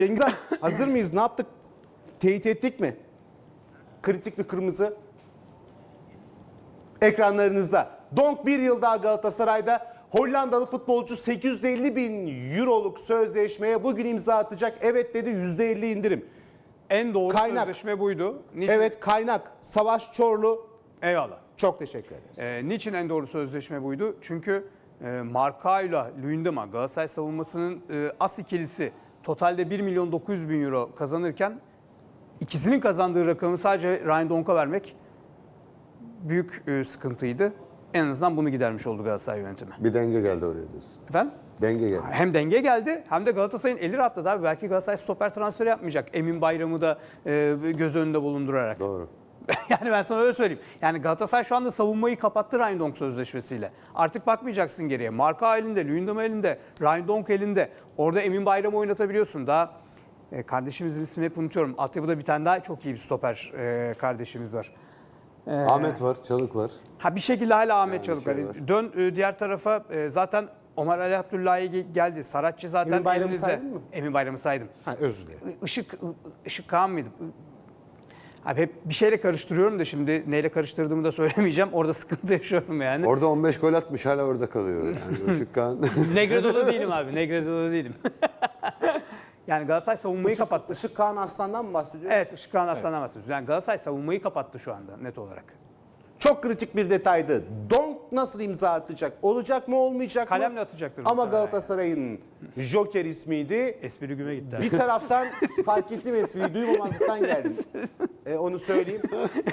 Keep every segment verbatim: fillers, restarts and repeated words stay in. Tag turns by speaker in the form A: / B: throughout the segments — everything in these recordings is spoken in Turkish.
A: Cengiz Han, hazır mıyız? Ne yaptık? Teyit ettik mi? Kritik bir kırmızı. Ekranlarınızda. Donk bir yıl daha Galatasaray'da. Hollandalı futbolcu sekiz yüz elli bin euroluk sözleşmeye bugün imza atacak. Evet dedi, yüzde elli indirim.
B: En doğru
A: Kaynak.
B: sözleşme buydu. Niçin?
A: Evet, kaynak Savaş Çorlu.
B: Eyvallah.
A: Çok teşekkür ederiz.
B: Ee, niçin en doğru sözleşme buydu? Çünkü e, Markao'yla Luyendama Galatasaray savunmasının e, as ikilisi totalde bir milyon dokuz yüz bin euro kazanırken ikisinin kazandığı rakamı sadece Ryan Donk'a vermek büyük e, sıkıntıydı. En azından bunu gidermiş oldu Galatasaray yönetimi.
C: Bir denge geldi oraya diyorsun.
B: Efendim?
C: Denge geldi.
B: Hem denge geldi hem de Galatasaray'ın eli rahatladı abi. Belki Galatasaray stoper transferi yapmayacak. Emin Bayram'ı da e, göz önünde bulundurarak.
C: Doğru.
B: Yani ben sana öyle söyleyeyim. Yani Galatasaray şu anda savunmayı kapattı Ryan sözleşmesiyle. Artık bakmayacaksın geriye. Marka elinde, Luyendama elinde, Ryan elinde. Orada Emin Bayram'ı oynatabiliyorsun. Daha e, kardeşimizin ismini hep unutuyorum. Altyapıda bir tane daha çok iyi bir stoper e, kardeşimiz var. Ee,
C: Ahmet var, Çalık var.
B: Ha bir şekilde hala Ahmet
C: Yani
B: Çalık
C: şey
B: var.
C: var.
B: Dön e, diğer tarafa e, zaten Ömer Ali Abdullahi geldi. Saratçı zaten
A: Emin Bayram'ı
B: elinizde.
A: saydın mı?
B: Emin Bayram'ı saydım.
A: Ha, özür dilerim.
B: Işık, Işık Kağan mıydı? Abi hep bir şeyle karıştırıyorum da şimdi neyle karıştırdığımı da söylemeyeceğim. Orada sıkıntı yaşıyorum yani.
C: Orada on beş gol atmış, hala orada kalıyor. Yani Işık Kağan.
B: Negredo'da değilim abi. Negredo'da değilim. Yani Galatasaray savunmayı
A: Işık,
B: kapattı.
A: Işık Kaan Aslan'dan mı bahsediyoruz?
B: Evet, Işık Kağan Aslan'dan bahsediyoruz. Yani Galatasaray savunmayı kapattı şu anda net olarak.
A: Çok kritik bir detaydı. Donk nasıl imza atacak? Olacak mı, olmayacak mı?
B: Kalemle atacaktır.
A: Ama
B: muhtemelen.
A: Galatasaray'ın Joker ismiydi.
B: Espri güme gitti.
A: Bir taraftan fark ettim, espriyi duymamazlıktan geldim. E, onu söyleyeyim.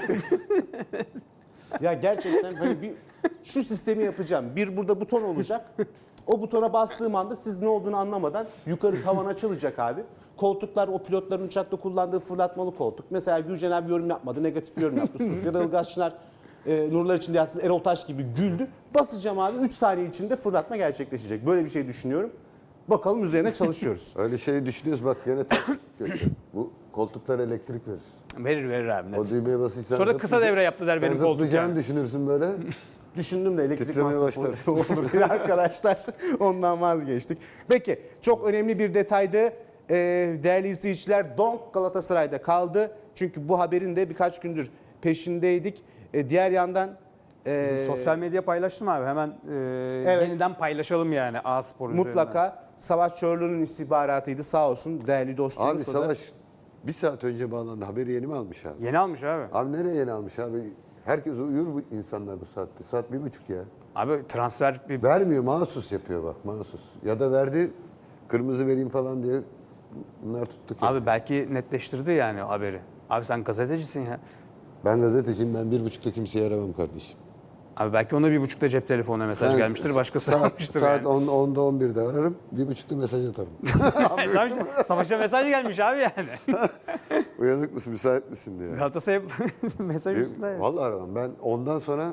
A: Ya gerçekten hani bir şu sistemi yapacağım. Bir burada buton olacak. O butona bastığım anda siz ne olduğunu anlamadan yukarı tavan açılacak abi. Koltuklar o pilotların uçakta kullandığı fırlatmalı koltuk. Mesela Gürcan abi yorum yapmadı, negatif bir yorum yaptı. Suskar Ilgaz Çınar, e, Nurlar içinde yatsın Erol Taş gibi güldü. Basacağım abi, üç saniye içinde fırlatma gerçekleşecek. Böyle bir şey düşünüyorum. Bakalım üzerine çalışıyoruz.
C: Öyle şey düşünüyoruz, bak gene taktik kötü. Bu koltuklar elektrik verir.
B: Verir verir abi net.
C: O düğmeye basınca
B: Sonra kısa devre yaptı der benim koltuk
C: zıplayacağını
B: yani.
C: düşünürsün böyle.
A: Düşündüm de elektrik
C: Titremeye
A: masrafı
C: başlarsın.
A: olur diye arkadaşlar. Ondan vazgeçtik. Peki çok önemli bir detaydı. Ee, değerli izleyiciler, Donk Galatasaray'da kaldı. Çünkü bu haberin de birkaç gündür peşindeydik. Ee, diğer yandan... e,
B: Sosyal medya paylaştım abi. Hemen e,
A: Evet.
B: yeniden paylaşalım yani A-Spor üzerinden.
A: mutlaka Savaş Çorlu'nun istihbaratıydı, sağ olsun değerli dostum.
C: Abi Savaş bir saat önce bağlandı. Haberi yeni mi almış abi?
B: Yeni almış abi.
C: Abi nereye yeni almış abi? Herkes uyur bu insanlar bu saatte. Saat bir buçuk ya.
B: Abi transfer bir...
C: Vermiyor, mahsus yapıyor bak, mahsus. Ya da verdi, kırmızı vereyim falan diye bunlar tuttuk ya.
B: Abi belki netleştirdi yani haberi. Abi sen gazetecisin ya.
C: Ben gazeteciyim, ben bir buçukta kimseyi aramam kardeşim.
B: Abi belki ona bir buçukta cep telefonuna mesaj
C: Ben
B: gelmiştir. Başkası
C: saat,
B: almıştır
C: saat
B: yani.
C: on, onda on birde ararım, bir buçukta mesaj atarım.
B: Tamam işte, Savaş'a mesaj gelmiş abi yani.
C: Uyanık mısın, müsait misin diye.
B: Galatasaray'a mesaj
C: Bir-
B: üstünde.
C: Vallahi aramam. Ben ondan sonra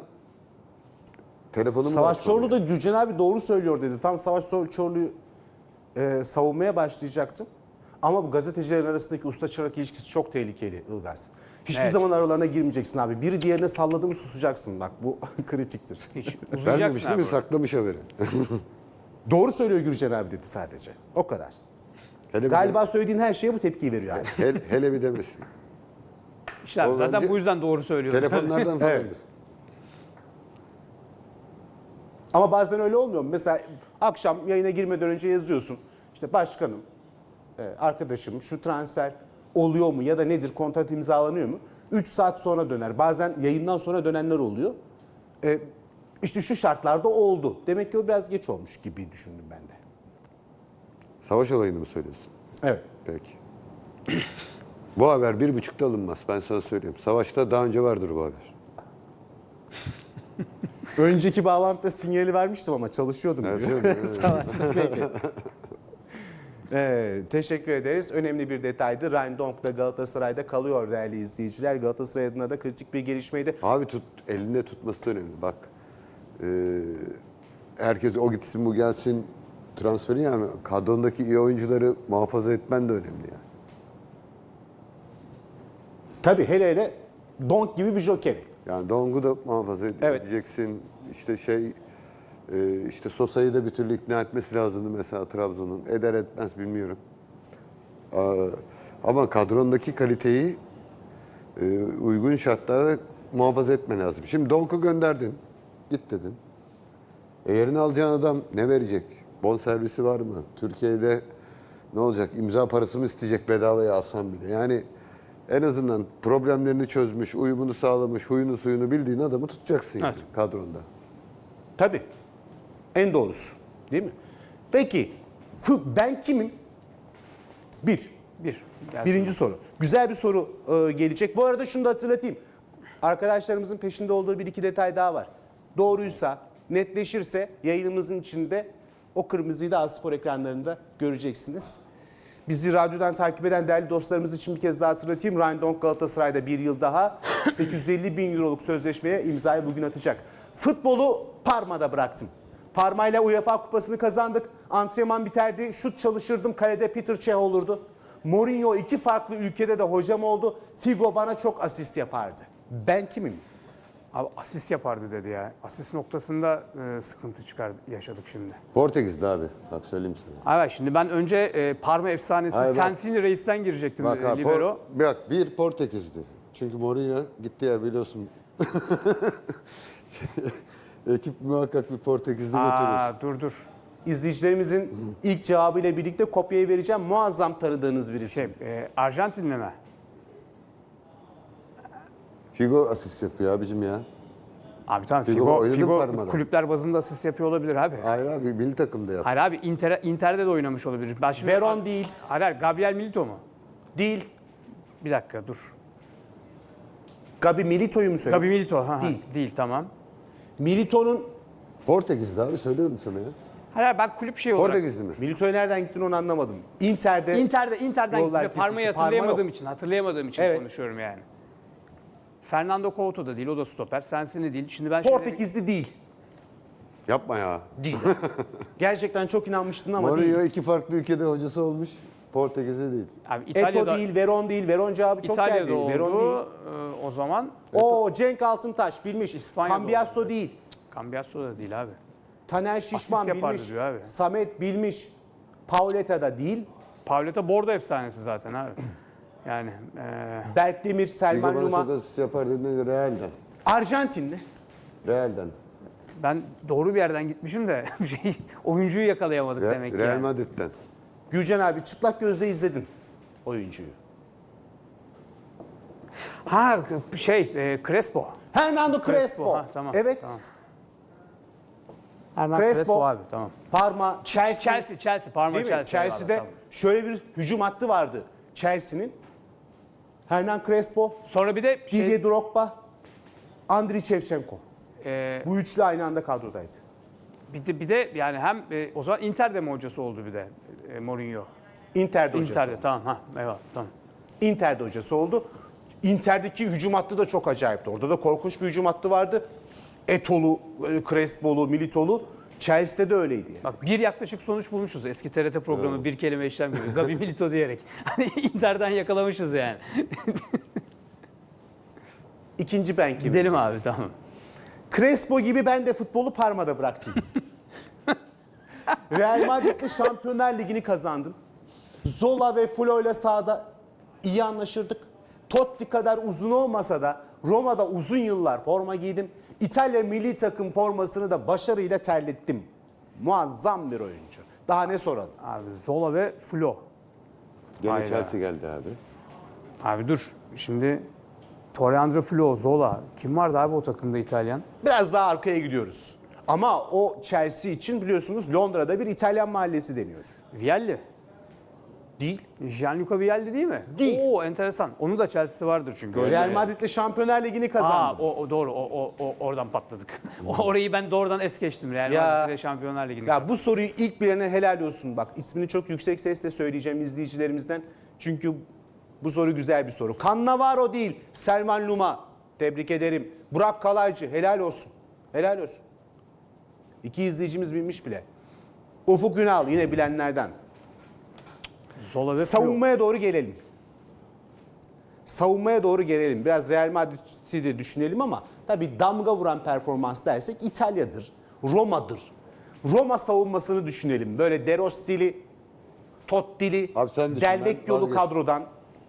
C: telefonumu
A: Savaş
C: açmam
A: Çorlu da
C: yani.
A: Gürcan abi doğru söylüyor dedi. Tam Savaş Çorlu'yu e, savunmaya başlayacaktım. Ama bu gazetecilerin arasındaki usta çırak ilişkisi çok tehlikeli Ilgaz. Hiçbir
B: Evet.
A: zaman aralarına girmeyeceksin abi. Biri diğerine salladı mı susacaksın. Bak bu kritiktir.
B: Hiç
C: Vermemiş
B: uzayacaksın
C: değil
B: abi.
C: mi? Saklamış haberi.
A: Doğru söylüyor Gürcan abi dedi sadece. O kadar.
C: Hele bir
A: Galiba söylediğin her şeye bu tepkiyi veriyor abi.
C: de- hele, hele bir demesin.
B: İşte abi,
C: O
B: zaten
C: bence
B: bu yüzden doğru söylüyor.
C: Telefonlardan falandır.
A: Evet. Ama bazen öyle olmuyor mu? Mesela akşam yayına girmeden önce yazıyorsun. İşte başkanım, e, arkadaşım şu transfer oluyor mu ya da nedir, kontrat imzalanıyor mu? üç saat sonra döner. Bazen yayından sonra dönenler oluyor. E, işte şu şartlarda oldu. Demek ki o biraz geç olmuş gibi düşündüm ben de.
C: Savaş olayını mı söylüyorsun?
A: Evet.
C: Peki. Bu haber bir buçukta alınmaz. Ben sana söyleyeyim. Savaşta daha önce vardır bu haber.
A: Önceki bağlantıda sinyali vermiştim ama çalışıyordum.
C: Evet,
A: diyor.
C: evet.
A: Savaşta peki. Evet, teşekkür ederiz. Önemli bir detaydı. Ryan Donk da Galatasaray'da kalıyor değerli izleyiciler. Galatasaray adına da kritik bir gelişmeydi.
C: Abi tut, elinde tutması da önemli. Bak, e, herkes o gitsin bu gelsin transferi, yani kadrondaki iyi oyuncuları muhafaza etmen de önemli yani.
A: Tabii hele hele Donk gibi bir jokeri.
C: Yani Dong'u da muhafaza ed-
A: Evet.
C: edeceksin. İşte şey, e, işte Sosa'yı da bir türlü ikna etmesi lazımdı mesela Trabzon'un. Eder etmez bilmiyorum. Aa, ama kadrondaki kaliteyi e, uygun şartlarda muhafaza etmen lazım. Şimdi Donk'u gönderdin. Git dedin. E yerine alacağın adam ne verecek? Bonservisi var mı? Türkiye'de ne olacak? İmza parası mı isteyecek bedavaya alsan bile? Yani en azından problemlerini çözmüş, uyumunu sağlamış, huyunu suyunu bildiğin adamı tutacaksın yani
B: Evet.
C: kadronda.
A: Tabii. En doğrusu. Değil mi? Peki fı- ben kimim? Bir.
B: Bir. Gelsin.
A: Birinci soru. Güzel bir soru e, gelecek. Bu arada şunu da hatırlatayım. Arkadaşlarımızın peşinde olduğu bir iki detay daha var. Doğruysa, netleşirse yayınımızın içinde o kırmızıyı da A-Spor ekranlarında göreceksiniz. Bizi radyodan takip eden değerli dostlarımız için bir kez daha hatırlatayım. Ryan Donk Galatasaray'da bir yıl daha sekiz yüz elli bin euroluk sözleşmeye imzayı bugün atacak. Futbolu Parma'da bıraktım. Parma ile UEFA kupasını kazandık. Antrenman biterdi. Şut çalışırdım. Kalede Peter Cech olurdu. Mourinho iki farklı ülkede de hocam oldu. Figo bana çok asist yapardı. Ben kimim?
B: Abi asist yapardı dedi ya. Asist noktasında e, sıkıntı çıkar yaşadık şimdi.
C: Portekiz'de abi. Bak söyleyeyim sana.
B: Evet şimdi ben önce e, Parma efsanesi
C: Hayır, bak.
B: Sensini Reis'ten girecektim
C: Bak,
B: e,
C: ha,
B: libero.
C: Por- bak bir Portekiz'di. Çünkü Mourinho gitti yer biliyorsun. Ekip muhakkak bir Portekiz'de götürür.
B: Aa, dur dur.
A: İzleyicilerimizin ilk cevabıyla birlikte kopyayı vereceğim. Muazzam tanıdığınız birisi.
B: Şey, e, Arjantinli mi?
C: Figo asist yapıyor abicim ya.
B: Abi tamam
C: Figo
B: Figo,
C: oynadı mı
B: Figo
C: Parma'da?
B: kulüpler bazında asist yapıyor olabilir abi.
C: Hayır abi milli takımda yaptı.
B: Hayır abi Inter, Inter'de de oynamış olabilir. Ben şimdi,
A: Veron değil.
B: Hayır, hayır Gabriel Milito mu?
A: Değil.
B: Bir dakika dur.
A: Gabi Milito'yu mu söylüyorsun?
B: Gabi Milito. Ha, ha,
A: Değil.
B: Değil tamam.
A: Milito'nun
C: Portekiz'de abi söylüyorum sana ya.
B: Hayır hayır, ben kulüp şey olarak.
C: Portekiz'de mi?
A: Milito'ya nereden gittin onu anlamadım. Inter'de
B: Inter'de Inter'den
A: Yollar
B: gitti. Parma'yı
A: kesişti. Parma
B: hatırlayamadığım
A: yok.
B: için, hatırlayamadığım için
A: Evet.
B: konuşuyorum yani. Fernando Couto da değil, o da stoper. Sensini değil. Şimdi ben şöyle-
A: Portekizli değil.
C: Yapma ya.
A: Değil. Gerçekten çok inanmıştın ama
C: Mourinho
A: değil.
C: iki farklı ülkede hocası olmuş. Portekiz'de değil.
B: Abi
A: Eto
B: İtalya'da
A: değil, Veron değil. Veron cevabı çok
B: İtalya'da
A: geldi.
B: oldu.
A: Veron değil.
B: Ee, o zaman
A: O Cenk Altıntaş bilmiş.
B: İspanya'da
A: Cambiasso
B: oldu.
A: değil.
B: Cambiasso da değil abi.
A: Taner Şişman
B: yapardı
A: bilmiş.
B: diyor abi.
A: Samet bilmiş. Pauleta da değil.
B: Pauleta Bordo efsanesi zaten abi. Yani e,
A: Berk Demir,
C: Figo
A: Selman
C: bana çok
A: Luma.
C: asist yapar dediğinde Real'den.
A: Arjantinli.
C: Real'den.
B: ben doğru bir yerden gitmişim de şey, oyuncuyu yakalayamadık
C: Re-
B: demek ki.
C: Real
B: yani.
C: Madrid'den.
A: Gülcan abi çıplak gözle izledin oyuncuyu.
B: Ha şey e, Crespo.
A: Fernando Crespo.
B: Ha, tamam.
A: Evet.
B: Tamam. Hernan
A: Crespo.
B: Crespo abi tamam.
A: Parma, Chelsea.
B: Chelsea, Chelsea, Parma
A: Değil mi?
B: Chelsea.
A: Chelsea'de
B: abi, tamam.
A: şöyle bir hücum hattı vardı Chelsea'nin. Hernan Crespo,
B: Sonra bir de şey,
A: Didier Drogba, Andriy Shevchenko.
B: e,
A: Bu üçlü aynı anda kadrodaydı.
B: bir de bir de yani hem e, o zaman Inter'de mi hocası oldu bir de e, Mourinho?
A: Inter'de hocası.
B: Inter'de
A: oldu.
B: tamam ha eyvallah tamam.
A: Inter'de hocası oldu. Inter'deki hücum hattı da çok acayipti. Orada da korkunç bir hücum hattı vardı. Etolu, Crespo'lu, Milito'lu. Chelsea'de de öyleydi yani.
B: Bak bir yaklaşık sonuç bulmuşuz eski T R T programı bir kelime işlem gibi. Gabi Milito diyerek. Hani Inter'den yakalamışız yani.
A: İkinci ben kimim?
B: Gidelim abi tamam.
A: Crespo gibi ben de futbolu Parma'da bıraktım. Real Madrid'le Şampiyonlar Ligi'ni kazandım. Zola ve Flo ile sahada iyi anlaşırdık. Totti kadar uzun olmasa da Roma'da uzun yıllar forma giydim. İtalya milli takım formasını da başarıyla terlettim. Muazzam bir oyuncu. Daha ne soralım?
B: Abi Zola ve Flo.
C: Gene
B: Hayda.
C: Chelsea geldi abi.
B: Abi dur şimdi Torreandro Flo, Zola. Kim vardı abi o takımda İtalyan?
A: Biraz daha arkaya gidiyoruz. Ama o Chelsea için biliyorsunuz Londra'da bir İtalyan mahallesi deniyordu.
B: Vialli.
A: Değil.
B: Gianluca Vialli değil mi?
A: Değil.
B: Oo enteresan. Onun da Chelsea'si vardır çünkü. Öyle
A: Real
B: mi?
A: Madrid'le Şampiyonlar Ligi'ni
B: Aa,
A: kazandı.
B: o, o doğru. O, o, o oradan patladık. O- Orayı ben doğrudan es geçtim. Real
A: Ya-
B: Madrid'le Şampiyonlar Ligi'ni.
A: Ya bu soruyu ilk bilene helal olsun. Bak ismini çok yüksek sesle söyleyeceğim izleyicilerimizden. Çünkü bu soru güzel bir soru. Cannavaro değil, Selman Luma. Tebrik ederim. Burak Kalaycı helal olsun. Helal olsun. İki izleyicimiz bilmiş bile. Ufuk Ünal yine bilenlerden.
B: Zola ve Flo.
A: Savunmaya doğru gelelim. Savunmaya doğru gelelim. Biraz Real Madrid'i de düşünelim ama tabii damga vuran performans dersek İtalya'dır, Roma'dır. Roma savunmasını düşünelim. Böyle De Rossi'li, Totti'li,
C: Abi sen düşün,
A: Del
C: ben
A: Vecchio'lu
C: vazgeçtim.
A: kadrodan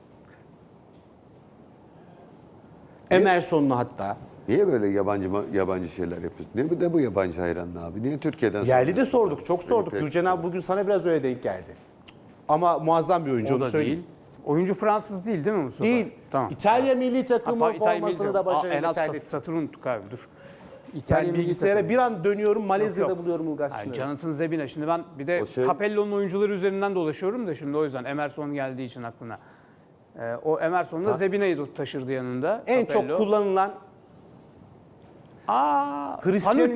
A: Emerson'lu hatta.
C: Niye böyle yabancı yabancı şeyler yapıyorsun? Ne bu, ne bu yabancı hayranlığı abi? Niye Türkiye'den
A: Yerli de
C: soruyorsun?
A: sorduk, çok sorduk.
C: Peki,
A: Gürcan abi bugün sana biraz öyle denk geldi. Ama muazzam bir oyuncu,
B: O
A: onu
B: da
A: söyleyeyim.
B: değil. Oyuncu Fransız değil değil mi Mustafa?
A: Değil.
B: Tamam.
A: İtalya milli takımı
B: Hatta İtalya
A: formasını
B: milli-
A: da
B: Aa, en
A: başarıyla
B: alt sat-
A: tercih.
B: satırı unuttuk abi dur. İtalya
A: Ben
B: milli
A: bilgisayara
B: takımı.
A: bir an dönüyorum, Malezya'da
B: Yok, yok.
A: buluyorum Ulgaç
B: Yani
A: Çınar'ı.
B: Jonathan Zebina. Şimdi ben bir de
C: O şey-
B: Capello'nun oyuncuları üzerinden dolaşıyorum da şimdi o yüzden Emerson geldiği için aklına. Ee, o Emerson da Zebina'yı da taşırdı yanında.
A: En
B: Capello.
A: çok kullanılan
B: Aa,
A: Hristiyan
B: Panucci.